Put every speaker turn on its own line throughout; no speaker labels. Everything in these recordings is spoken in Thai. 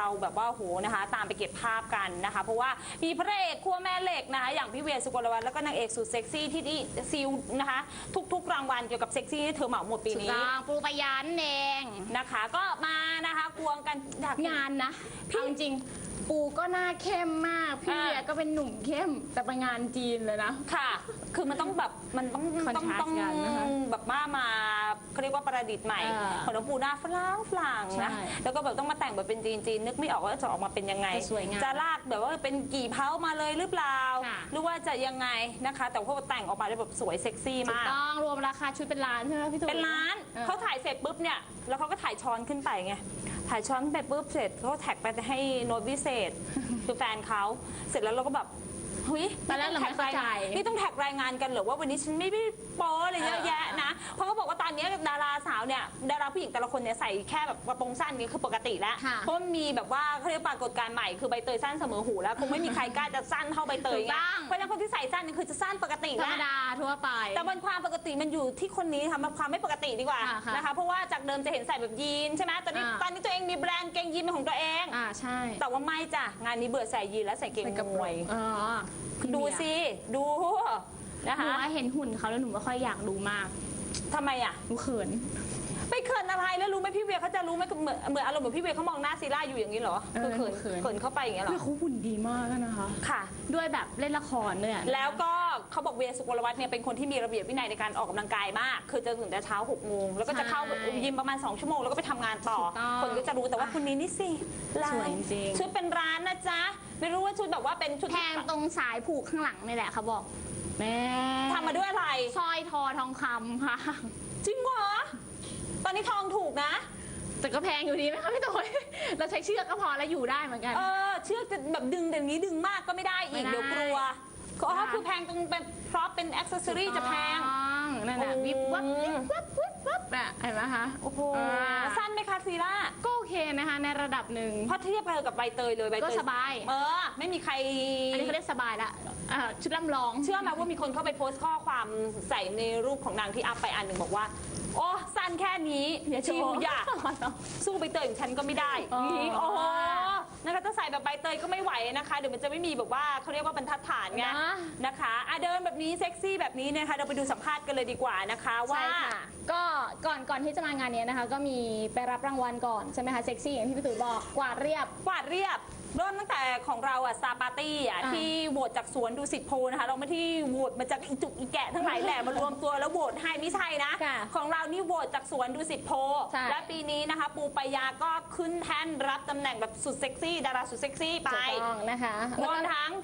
เราแบบว่าโหนะคะตามไปเก็บภาพกันนะคะเพราะว่ามีพระเอกขั้วแม่เหล็กนะคะอย่างพี่เวียสุกลวัฒน์แล้วก็นางเอกสุดเซ็กซี่ที่ซิลนะคะทุกรางวัลเกี่ยวกับเซ็กซี่ที่เธอเหมาหมดปีนี้
ปูปยันเอง
นะคะก็มานะคะควงกัน
งานนะพี่จริงปูก็หน้าเข้มมากพี่เวียก็เป็นหนุ่มเข้มแต่ไปงานจีนเลยนะ
ค่ะคือมันต้องแบบมันต้องแบบมาเขาเรียกว่าประดิษฐ์ใหม่ของน้องปูหน้าฝรั่งนะแล้วก็แบบต้องมาแต่งแบบเป็นจีนนึกไม่ออกว่าจะออกมาเป็นยังไงจะลากแบบว่าเป็นกี่เผามาเลยหรือเปล่าหรือว่าจะยังไงนะคะแต่ว่าแต่งออกมาได้แบบสวยเซ็กซี่มาก
ต้องรวมราคาชุดเป็นล้านใช่ไหมพี่ตุ๋ย
เป็นล้านเขาถ่ายเสร็จปุ๊บเนี่ยแล้วเขาก็ถ่ายช้อนขึ้นไปไงถ่ายช้อนไปปุ๊บเสร็จเขาแท็กไปให้โน้ตวิเศษคือแฟนเขาเสร็จแล้วเราก็แบบเฮ้ย
ตอนแรกเราไม่เข้าใจ
นี่ต้องแท็กรายงานกันหรือว่าวันนี้ฉันไม่โป๊อะไรเยอะแยะนะเพราะเขาบอกว่าตอนนี้ดาราสาวเนี่ยดาราผู้หญิงแต่ละคนเนี่ยใส่แค่แบบกระโปรงสั้นนี่คือปกติแล้วเพราะมีแบบว่าเขาเรียกปรากฏการณ์ใหม่คือใบเตยสั้นเสมอหูแล้วคงไม่มีใครกล้าจะสั้นเท่าใบเตยไงเพราะฉะนั้นคนที่ใส่สั้นนี่คือจะสั้นปกติ
ธรรมดาทั่วไป
แต่มันความปกติมันอยู่ที่คนนี้ทำความไม่ปกติดีกว่านะคะเพราะว่าจากเดิมจะเห็นใส่แบบยีนใช่ไหมตอนนี้ตัวเองมีแบรนด์เกงยีนเป็นของตัวเอง
ใช่
แต่ว่าไม่จ้ะงานนี้เบื่อใส่ยีนแล้วใส่เกงมวยดูสิดู
นะคะหนูว่าเห็นหุ่นเขาแล้วหนูไม่ค่อยอยากดูมาก
ทำไมอ่ะ
หนูเขิน
ไปเขินอะไรแล้วรู้ไหมพี่เวียเขาจะรู้ไหมเหมือนอารมณ์เหมือนพี่เวียเขามองหน้าซีร่าอยู่อย่างนี้เหรอคือเขินเข้าไปอย่างเงี้ยหรอ
เขาหุ่นดีมากนะคะ
ค่ะ
ด้วยแบบเล่นละครเนี่ย
แล้วก็เขาบอกเวียสุกลวัฒน์เนี่ยเป็นคนที่มีระเบียบวินัยในการออกกำลังกายมากคือจะตื่นแต่เช้า6 โมงแล้วก็จะเข้ายิมประมาณ2 ชั่วโมงแล้วก็ไปทำงานต่อคนก็จะรู้แต่ว่าคนนี้นี่สิ
สวยจริง
ชุดเป็นร้านนะจ๊ะไม่รู้ว่าชุดแบบว่าเป็นชุด
แทงตรงสายผูกข้างหลังนี่แหละเขาบอกแม่
ทำมาด้วยอะไร
สร้อยทอทองคำค่ะ
จริงเหรอตอนนี้ทองถูกนะ
แต่ก็แพงอยู่ดีไหมคะพี่ตุ๋ยเราใช้เชือกก็พอแล้วอยู่ได้เหมือนกัน
เชือกจะแบบดึงเดี๋ยวนี้ดึงมากก็ไม่ได้อีกเดี๋ยวกลัวคือแพงตรงเป็นเพราะเป็นอ็อกเซสซอรี่จะแพง
นั่นแหละวิบวับน่ะเห็นไหมคะ
โอ้โหสั้นไหมคะซีร่า
ก็โอเคนะคะในระดับหนึ่ง
เพราะเทียบกับใบเตยเลยใบเตย
ก็สบาย
ไม่มีใคร
อันนี้เขาเรียกสบายละชุดลำลอง
เชื่อไหมว่ามีคนเข้าไปโพสต์ข้อความใส่ในรูปของนางที่อัพไปอันหนึ่งบอกว่าโอ้สั้นแค่นี้ชิวอยากสู้ใบเตยของฉันก็ไม่ได้นี่โอ้โหนะคะถ้าใส่แบบใบเตยก็ไม่ไหวนะคะเดี๋ยวมันจะไม่มีแบบว่าเขาเรียกว่าบรรทัดฐานไงนะคะเดินแบบนี้เซ็กซี่แบบนี้นะคะเราไปดูสัมภาษณ์กันเลยดีกว่านะคะว่า
ก็ก่อนที่จะมางานนี้นะคะก็มีไปรับรางวัลก่อนใช่ไหมคะเซ็กซี่อย่างที่พี่ตุ๋ยบอกกวาดเรียบ
เริ่มตั้งแต่ของเราสตาร์ปาร์ตี้ที่โหวตจากสวนดูสิตโพนะคะเราไม่ที่โหวตมาจากอีจุกอีแกะทั้งหลายแหล่มารวมตัวแล้วโหวตให้ไม่ใช่นะของเรานี่โหวตจากสวนดูสิตโพและปีนี้นะคะปูปายาก็ขึ้นแท่นรับตำแหน่งแบบสุดเซ็กซี่ดาราสุดเซ็กซี่ไป
นะคะ
รวมทั้ง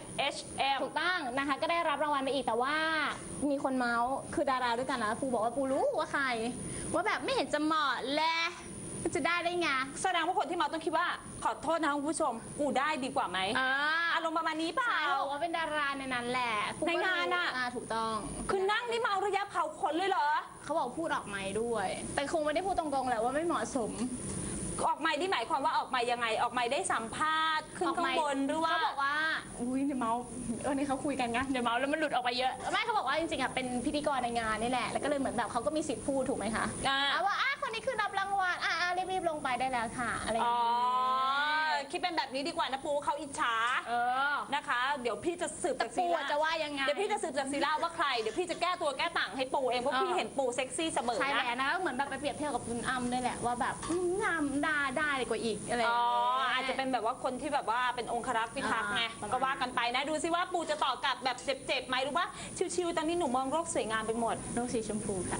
FHM
ถูกต้องนะคะก็ได้รับรางวัลไปอีกแต่ว่ามีคนเมาส์คือดาราด้วยกันนะปูบอกว่าปูรู้ว่าใครว่าแบบไม่เห็นจะเหมาะและจะได้ไง
แสดงว่าคนที่มาต้องคิดว่าขอโทษนะคุณผู้ชมกูได้ดีกว่าไหมอารมณ์ประมาณนี้เปล่า
บอกว่าเป็นดาราในนั้นแหละ
ในงาน
ถูกต้อง
คือนั่งนี่เมาระยะเผาขนเลยเหรอ
เขาบอกพูดออกไมค์ด้วยแต่คงไม่ได้พูดตรงๆแหละว่าไม่เหมาะสม
ออกไมค์ที่หมายความว่าออกไมค์ยังไงออกไมค์ได้สัมภาษณ์ขึ้นข้างบนหรือว่า
เขาบอกว่าอุ้ยเดี๋ยวเมานี่เขาคุยกันไงเดี๋ยวเมาแล้วมันหลุดออกไปเยอะไม่เขาบอกว่าจริงๆเป็นพิธีกรในงานนี่แหละแล้วก็เลยเหมือนแบบเขาก็มีสิทธิ์พูดถูกไหมคะว่าคนนี้คือรับรางวัลรีบลงไปได้แล้วค่ะอะไรอย่างนี้
คิดเป็นแบบนี้ดีกว่านะปูเขาอิจฉานะคะเดี๋ยวพี่จะสืบจากซีร่า
จะว่ายังไง
เดี๋ยวพี่จะสืบจากซีร่าว่าใครเดี๋ยวพี่จะแก้ตัวแก้ต่างให้ปูเองเพราะพี่เห็นปูเซ็กซี่เสมอนะ
ใช่แล้วนะเหมือนแบบไปเปรียบเทียบกับคุณอ้ำด้วยแหละว่าแบบงามได้กว่าอีกอะไร
อาจจะเป็นแบบว่าคนที่แบบว่าเป็นองครักษ์พิทักษ์ไงก็ว่ากันไปนะดูซิว่าปูจะต่อกลับแบบเจ็บไหมหรือว่าชิวๆตอนนี้หนูมองโลกสวยงามไปหมด
โลกสีชมพูค่ะ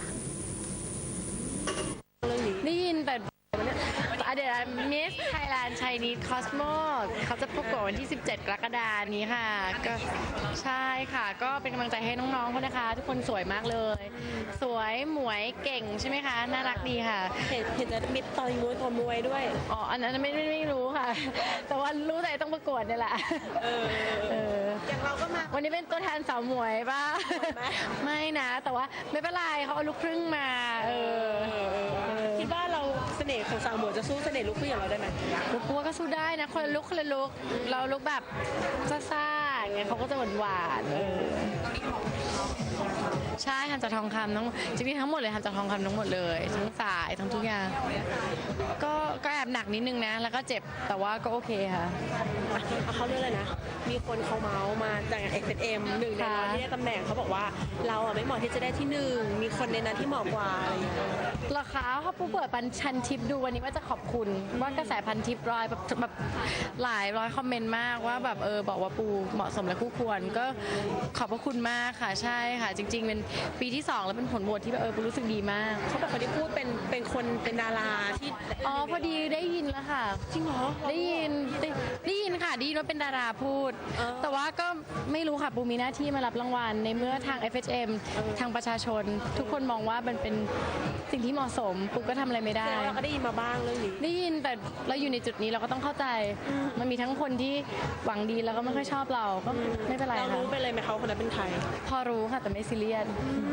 ได้ยินแต่เดี๋ยวมิสไทยแลนด์ไชนีสคอสโมเขาจะประกวดวันที่17 กรกฎาคมนี้ค่ะก็ใช่ค่ะก็เป็นกำลังใจให้น้องๆเขานะคะทุกคนสวยมากเลยสวยหมวยเก่งใช่ไหมคะน่ารักดีค่ะ
เห็นจะมิดตอนมวยด้วย
อันนั้นไม่รู้ค่ะแต่ว่ารู้แต่ต้องประกวดนี่แหละ
อย่างเราก็มา
วันนี้เป็นตัวแทนสาวหมวยป่ะไม่นะแต่ว่าไม่เป็นไรเขาเอาลูกครึ่งมา
คิดว่าเราเสน่ห์ของสาวหมวยจะสู้เสน่ห์ลูกผู้อย่างเราได้ไหม
ลูกพัวก็สู้ได้นะคนละลุกเราลุกแบบซ่าๆอย่างเงี้ยเขาก็จะหวานใช่ทำจากทองคำทั้งจริงๆทั้งหมดเลยทำจากทองคำทั้งหมดเลยทั้งสายทั้งทุกอย่างก็แอบหนักนิดนึงนะแล้วก็เจ็บแต่ว่าก็โอเคค่ะ
เอาเขาเรื่องเลยนะ มีคนเขาเมาส์มาจาก F&M หนึ่งในร้อยที่ได้ตำแหน่งเขาบอกว่าเราไม่เหมาะที่จะได้ที่หนึ่งมีคนในนั้นที่เหมาะกว่าอะไรอย่างเงี้ย
ราคาเขาปูเปิดพันทิปดูวันนี้ว่าจะขอบคุณว่ากระแสพันทิปร้อยแบบหลายร้อยคอมเมนต์มากว่าแบบบอกว่าปูเหมาะสมและคู่ควรก็ขอบพระคุณมากค่ะใช่ค่ะจริง ๆ เป็นปีที่ 2 แล้วเป็นผลโหวตที่แบบปูรู้สึกดีมาก
เขาบอกคนที่พูดเป็นคนเป็นดาราที่
อ๋อพอดีได้ยินแล้วค่ะ
จริงเหรอ
ได้ยินค่ะได้ยินว่าเป็นดาราพูด แต่ว่าก็ไม่รู้ค่ะปูมีหน้าที่มารับรางวัลในเมื่อทาง FHM ทางประชาชน ทุกคนมองว่ามันเป็นสิ่งที่เหมาะสมปูก็ทำอะไรไม่ได้
แต่เราก็ได้ยินมาบ้างเรื่องนี้
ได้ยินแต่เราอยู่ในจุดนี้เราก็ต้องเข้าใจ มันมีทั้งคนที่หวังดีแล้วก็ไม่ค่อยชอบเราก็ไม่เป็นไร
เรา
ค่ะ
รู้ไปเลยไหมเขาคนนั้นเป็นใคร
พอรู้ค่ะแต่ไม่ซีเรียส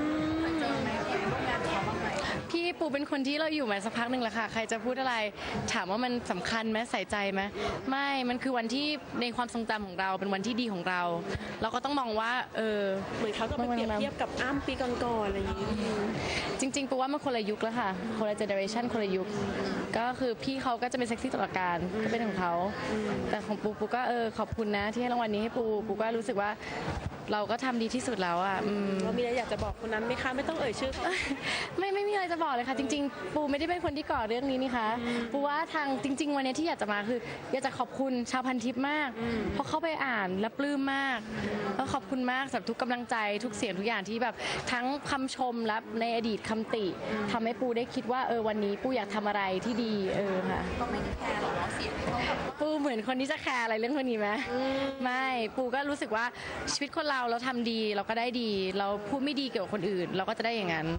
พี่ปูเป็นคนที่เราอยู่มาสักพักหนึ่งแล้วค่ะใครจะพูดอะไรถามว่ามันสำคัญไหมใส่ใจไหมไม่มันคือวันที่ในความทรงจำของเราเป็นวันที่ดีของเรา เราก็ต้องมองว่า
เหมือนเขาจะไปเปรียบเทียบกับอ้ำปีก่อนๆอะไรอย่างนี้
จริงๆปูว่ามันคนละยุคแล้วค่ะคนละเจเนอเรชันคนละยุคก็คือพี่เขาก็จะเป็นเซ็กซี่ตลอดการก็เป็นของเขาแต่ของปูก็ขอบคุณนะที่ให้รางวัลนี้ให้ปูก็รู้สึกว่าเราก็ทำดีที่สุดแล้วอ่ะ
เรามีอะไรอยากจะบอกคนนั้นไหมคะไม่ต้องเอ่ยชื่อเขา
ไม่มีอะไรจะบอกเลยค่ะจริงๆปูไม่ได้เป็นคนที่ก่อเรื่องนี้นี่คะปูว่าทางจริง ๆ วันนี้ที่อยากจะมาคืออยากจะขอบคุณชาวพันทิปมากเพราะเข้าไปอ่านและปลื้มมากแล้วขอบคุณมากสำหรับทุกกำลังใจทุกเสียงทุกอย่างที่แบบทั้งคำชมและในอดีตคำติทำให้ปูได้คิดว่าวันนี้ปูอยากทำอะไรที่ดีค่ะก็ไม่แคร์หรอกเสียงปูเหมือนคนที่จะแคร์อะไรเรื่องพวกนี้ไหมไม่ปูก็รู้สึกว่าชีวิตคนเราทำดีเราก็ได้ดีเราพูดไม่ดีเกี่ยวกับคนอื่น เราก็จะได้อย่างนั้น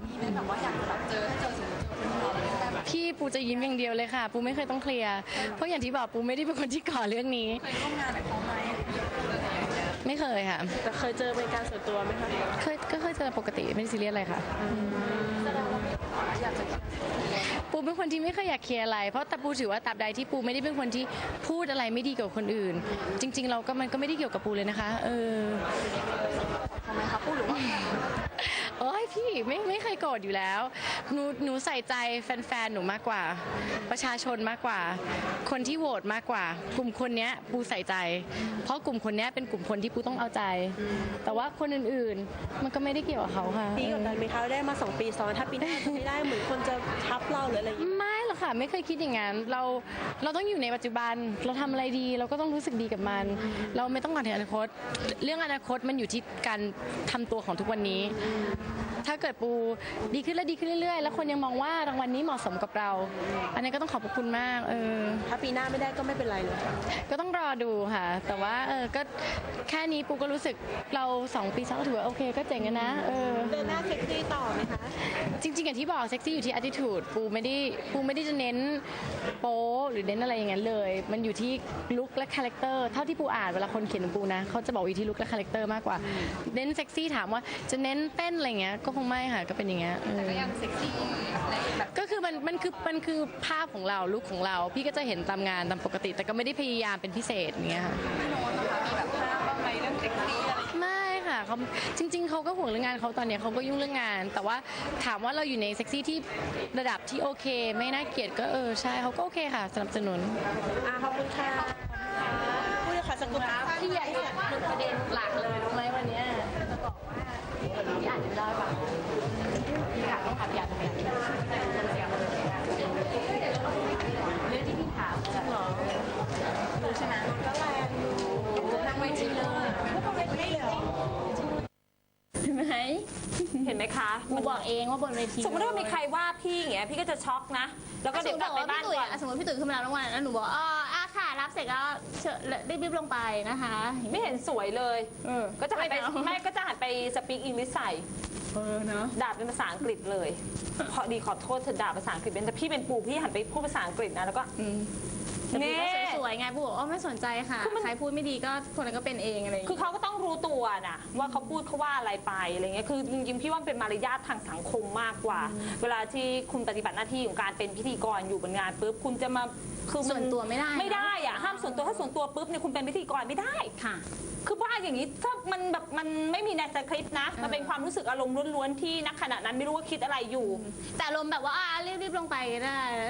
พี่ปูจะยิ้มอย่างเดียวเลยค่ะปูไม่เคยต้องเคลียร์เพราะอย่างที่บอกปูไม่ได้เป็นคนที่ก่อเรื่องนี้เคยร่วมงานกับเขาไหมไม่เคยค่ะ
แต่เคยเจอเป็นการส่วนตัวไหมคะ
เคยเจอปกติไม่ได้ซีเรียสอะไรค่ะปูเป็นคนที่ไม่เคยอยากเคลียร์อะไรเพราะแต่ปูถือว่าตราบใดที่ปูไม่ได้เป็นคนที่พูดอะไรไม่ดีเกี่ยวกับคนอื่นจริงๆเราก็มันก็ไม่ได้เกี่ยวกับปูเลยนะคะทำไมคะพูดหรือว่าโอ้ยพี่ไม่เคยโกรธอยู่แล้วหนูใส่ใจแฟนๆหนูมากกว่าประชาชนมากกว่าคนที่โหวตมากกว่ากลุ่มคนนี้ปูใส่ใจเพราะกลุ่มคนนี้เป็นกลุ่มคนที่ปูต้องเอาใจแต่ว่าคนอื่นๆมันก็ไม่ได้เกี่ยวกับเขาค่ะ
พี่กดดันไหมคะได้มา2 ปีซ้อนถ้าปีหน้าจะไม่ได้เหมือนคนจะทับเราหรืออะไรอย่างนี้
ไม่หรอกค่ะไม่เคยคิดอย่างนั้นเราต้องอยู่ในปัจจุบันเราทำอะไรดีเราก็ต้องรู้สึกดีกับมันเราไม่ต้องหวังถึงอนาคตเรื่องอนาคตมันอยู่ที่การทำตัวของทุกวันนี้ถ้าเกิดปูดีขึ้นและดีขึ้นเรื่อยๆแล้วคนยังมองว่ารางวัลนี้เหมาะสมกับเราอันนี้ก็ต้องขอบคุณมาก
ถ้าปีหน้าไม่ได้ก็ไม่เป็นไรเลย
ก็ต้องรอดูค่ะแต่ว่าก็แค่นี้ปูก็รู้สึกเรา2 ปีซ้อนก็ถือว่าโอเคก็เจ๋งนะ
เดินหน้าเซ็กซี่ต่อไหมคะ
จริงๆอย่างที่บอกเซ็กซี่อยู่ที่ attitude ปูไม่ได้จะเน้นโป๊หรือเน้นอะไรอย่างนั้นเลยมันอยู่ที่ลุคและคาแรคเตอร์เท่าที่ปูอ่านเวลาคนเขียนของปูนะเขาจะบอกอยู่ที่ลุคและคาแรคเตอร์มากกว่าเน้นเซ็กซี่ถามว่าจะเน้นเต้นอะไรเงี้ยก็คงไม่ค่ะก็เป็นอย่างเงี้ยแต่ก็ยังเซ็กซี่ก็คือมันคือภาพของเราลุคของเราพี่ก็จะเห็นตามงานตามปกติแต่ก็ไม่ได้พยายามเป็นพิเศษอย่างเงี้ยค่ะพี่โน้ตนะคะมีแบบภาพบ้างไหมเรื่องเซ็กซี่อะไรไม่ค่ะเขาจริงๆเขาก็ห่วงเรื่องงานเขาตอนนี้เขาก็ยุ่งเรื่องงานแต่ว่าถามว่าเราอยู่ในเซ็กซี่ที่ระดับที่โอเคไม่น่าเกลียดก็ใช่เขาก็โอเคค่ะสนับสนุน
ขอบคุณค่ะพูดเลยค่ะสักกุล
พี่ใหญ่ประเด็นหลักเลยรู้ไหมวันนี้จะบอกว่าพี่อ่านไม่ได้ป่ะพี่อยากต้องขับอยากทำอย่างนี้เรื่องที่พี่ถามเหรอรู้ใช่ไหมก็แรงอยู่นั่งไว้ที่เลยไม่เลยเห็นไหม
เห็นไหมคะ
มันบอกเองว่าบนเวที
สมมติว่ามีใครว่าพี่อย่างเงี้ยพี่ก็จะช็อกนะแล้วก็เดี๋ยวกลับไปบ้านก่อน
สมมติพี่ตุ๋ยขึ้นมาแล้วรางวัลแล้วหนูบอกค่ะรับเสร็จแล้วรีบลงไปนะคะ
ไม่เห็นสวยเลยก็จะหันไปไม่ก็จะหันไปสปีกอังกฤษใส่
เนาะ
ด่าเป็นภาษาอังกฤษเลยพอดีขอโทษเธอด่าภาษาอังกฤษเป็นแต่พี่เป็นปูพี่หันไปพูดภาษาอังกฤษนะแล้วก็
นี่สวยไงปูบอกไม่สนใจค่ะใครพูดไม่ดีก็คนนั้นก็เป็นเองอะไรอย่าง
คือ
เงี้ย
เขาก็ต้องรู้ตัวนะว่าเขาพูดเขาว่าอะไรไปอะไรเงี้ยคือจริงๆพี่ว่ามันเป็นมารยาททางสังคมมากกว่า เวลาที่คุณปฏิบัติหน้าที่ของการเป็นพิธีกรอยู่บนงานปุ๊บคุณจะมาคือมั
ส่วนตัวไม่ได้นะ
ไม่ได้อะห้ามส่วนตัวถ้าส่วนตัวปุ๊บเนี่ยคุณเป็นพิธีกรไม่ได้
ค่ะ
คือว่าอย่างนี้ถ้ามันแบบมันไม่มีในสคริปต์นะมันเป็นความรู้สึกอารมณ์ล้วนๆที่นักขณะนั้นไม่รู้ว่าคิดอะไรอยู่
แต่ลมณ์แบบว่ารีบๆลงไปก็ได้